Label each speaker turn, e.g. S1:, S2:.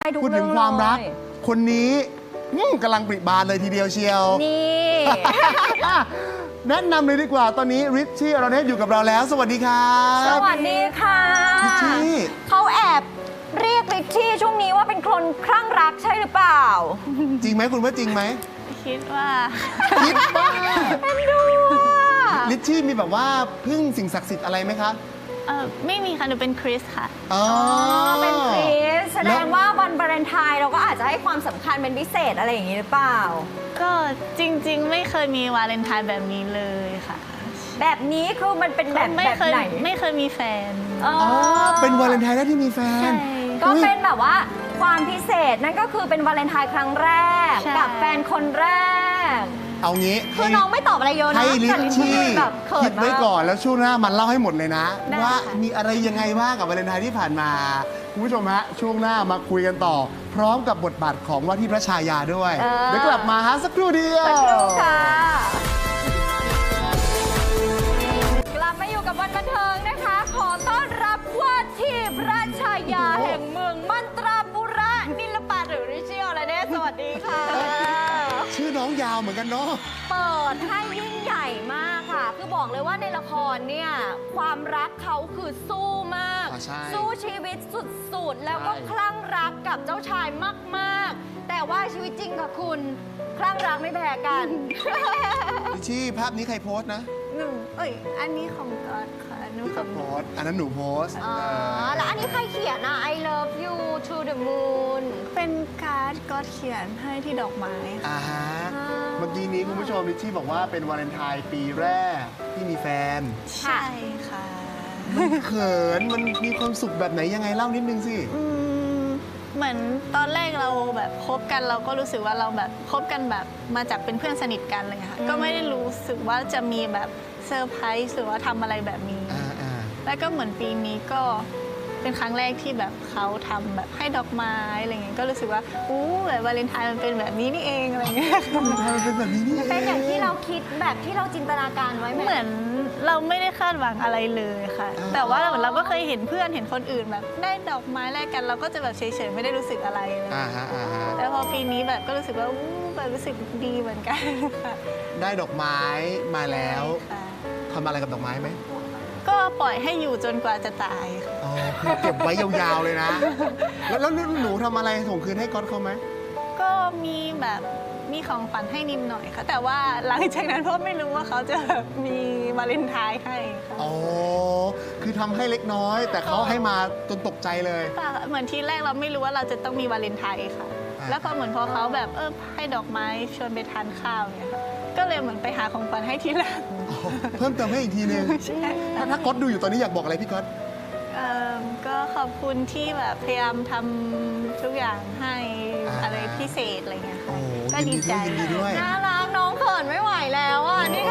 S1: ทุก
S2: พูด
S1: เรื่
S2: ถึ
S1: อง
S2: งความรัก
S1: เลย
S2: คนนี้กำลังปริบานเลยทีเดียวเชียว
S1: นี่
S2: อ่ะแนะนำเลยดีกว่าตอนนี้ริชชี่อรเนศอยู่กับเราแล้ว สวัสดีครับ
S1: สวัสดีค่ะ
S2: ริชชี่
S1: เขาแอบเรียกริชชี่ช่วงนี้ว่าเป็นคนคลั่งรักใช่หรือเปล่า
S2: จริงไหมคุณว่าจริงไหม
S3: คิดว่า
S2: คิดว่า
S1: เป็นดูอ่ะ
S2: ริชชี่มีแบบว่าพึ่งสิ่งศักดิ์สิทธิ์อะไรไหมคะ
S3: ไม่มีค่ะ หนูเป็นคริสค่ะ
S2: อ๋อ
S1: เป็นคริสแสดงว่าวันวาเลนไทน์เราก็อาจจะให้ความสำคัญเป็นพิเศษอะไรอย่างนี้หรือเปล่า
S3: ก็จริงๆ ไม่เคยมีวาเลนไทน์แบบนี้เลยค่ะ
S1: แบบนี้คือมันเป็นแบบ
S3: ไม่
S1: แบบ
S3: เคย
S1: ไหน
S3: ไม่เคยมีแฟน
S1: อ๋อ
S2: อ๋อเป็นวาเลนไทน์ได้ที่มีแฟ
S3: ใช่
S2: น
S1: ก็
S2: อุ๊ย
S1: เป็นแบบว่าความพิเศษนั่นก็คือเป็นวาเลนไทน์ครั้งแรก
S3: ใช่
S1: กับแฟนคนแรก
S2: เอางี้
S1: คือน้องไม่ตอบอะไรเยอะนะ
S2: ให้ริช
S1: แต่
S2: ชี่
S1: แบบเขิ
S2: คิ
S1: น
S2: ด
S1: มา
S2: ไว้
S1: ก
S2: ก่อนแล้วช่วงหน้ามันเล่าให้หมดเลยนะ
S3: ได้
S2: ว่า
S3: ค่ะ
S2: มีอะไรยังไงบ้างกับวาเลนไทน์ที่ผ่านมา คุณผู้ชมฮะช่วงหน้ามาคุยกันต่อ พร้อมกับบทบาทของว่าที่พระชายาด้วย เดี๋ยวกลับมาฮะสักครู่เดียว
S1: สักครู่ค่ะ กลับมาอยู่กับวันบันเทิงนะคะ ขอต้อนรับว่าที่พระชายาแห่งเมืองมันตราปุระนิลปาหรือริชิโอและเนสวัสดีค่ะ
S2: ชื่อน้องยาวเหมือนกันเนาะ
S1: เปิดให้ยิ่งใหญ่มากค่ะ คือบอกเลยว่าในละครเนี่ย ความรักเขาคือสู้มาก
S2: อ่าใช่
S1: สู้ชีวิตสุดๆ แล้วก็
S2: ใช่
S1: คลั่งรักกับเจ้าชายมากๆ แต่ว่าชีวิตจริงกับคุณ คลั่งรักไม่แพ้กัน
S2: ริชชี่ภาพนี้ใครโพสต์นะ
S3: หนูอันนี้ของก๊อตค่ะหนู
S2: พี่
S3: ข
S2: ก็
S3: อง
S2: โพสต์อันนั้นหนูโพสต์
S1: อ๋อ แล้วอันนี้ใครเขียนอ่ะ I love you to the moon
S3: เป็นการ์ดก๊อตเขียนให้ที่ดอกไม้ค่ะ
S2: อ่าฮะเมื่อกี้นี้คุณผู้ชมริชชี่บอกว่าเป็นวาเลนไทน์ปีแรกที่มีแฟน
S3: ใช่ค่ะ
S2: เขินมันมีความสุขแบบไหนยังไงเล่านิดนึงสิ
S3: เหมือนตอนแรกเราแบบคบกันเราก็รู้สึกว่าเราแบบคบกันแบบมาจากเป็นเพื่อนสนิทกันเลยค่ะ ก็ไม่ได้รู้สึกว่าจะมีแบบเซอร์ไพรส์หรือว่าทำอะไรแบบนี้
S2: อ่า
S3: แล้วก็เหมือนปีนี้ก็เป็นครั้งแรกที่แบบเขาทำแบบให้ดอกไม้อะไรเงี้ยก็รู้สึกว่าอู้แบบวาเลนไทน์มันเป็นแบบนี้นี่เองอะไรเงี้ย
S2: วาเลนไทน์มันเป็นแบบนี้นี่
S1: เป็นอย่างที่เราคิดแบบที่เราจินตนาการไว้ไหม
S3: เหมือนเราไม่ได้คาดหวังอะไรเลยค่ะ แต่ว่าเหมือนเราก็เคยเห็นเพื่อนเห็นคนอื่นแบบได้ดอกไม้แลกกันเราก็จะแบบเฉยๆไม่ได้รู้สึกอะไรเลย
S2: อ่าฮะ
S3: แต่พอปีนี้แบบก็รู้สึกว่าอู้แบบรู้สึกดีเหมือนกันค่ะ
S2: ได้ดอกไม้มาแล้ว
S3: ค่ะ
S2: ทำอะไรกับดอกไม้ไหม
S3: ก็ปล่อยให้อยู่จนกว่าจะตายค่ะ
S2: อ๋อคือเก็บไว้ยาวๆเลยนะ แล้วหนูทำอะไรส่งคืนให้ก๊อตเขาไหม
S3: ก็มีแบบมีของขวัญให้นิดหน่อยค่ะ แต่ว่าหลังจากนั้นพ่อไม่รู้ว่าเขาจะแบบมีวาเลนไทน์ให้ค่ะ
S2: อ๋อ คือทำให้เล็กน้อย แต่เขาให้มาจนตกใจเลย
S3: เปล่าค่ะเหมือนทีแรกเราไม่รู้ว่าเราจะต้องมีวาเลนไทน์ค่ะ
S2: อ่า
S3: แล้วพอเหมือนพอเขาแบบให้ดอกไม้ชวนไปทานข้าวเนี่ยค่ะก็เลยเหมือนไปหาของขวัญให้ทีหลัง
S2: อ๋อเพิ่มเติมให้อีกทีนึง
S3: ใช่
S2: ถ้าก๊อตดูอยู่ตอนนี้อยากบอกอะไรพี่ก๊อต
S3: ก็ขอบคุณที่แบบพยายามทำทุกอย่างให้
S2: อ่า
S3: อะไรพิเศษอะไรเงี้ยค่ะ
S2: โอ้
S3: ก็
S2: ยิน
S3: ดี
S2: ดี
S3: ใจ
S2: ด้วยยินดีด้วย
S1: น่ารักน้องเขินไม่ไหวแล้วอ่ะ นี่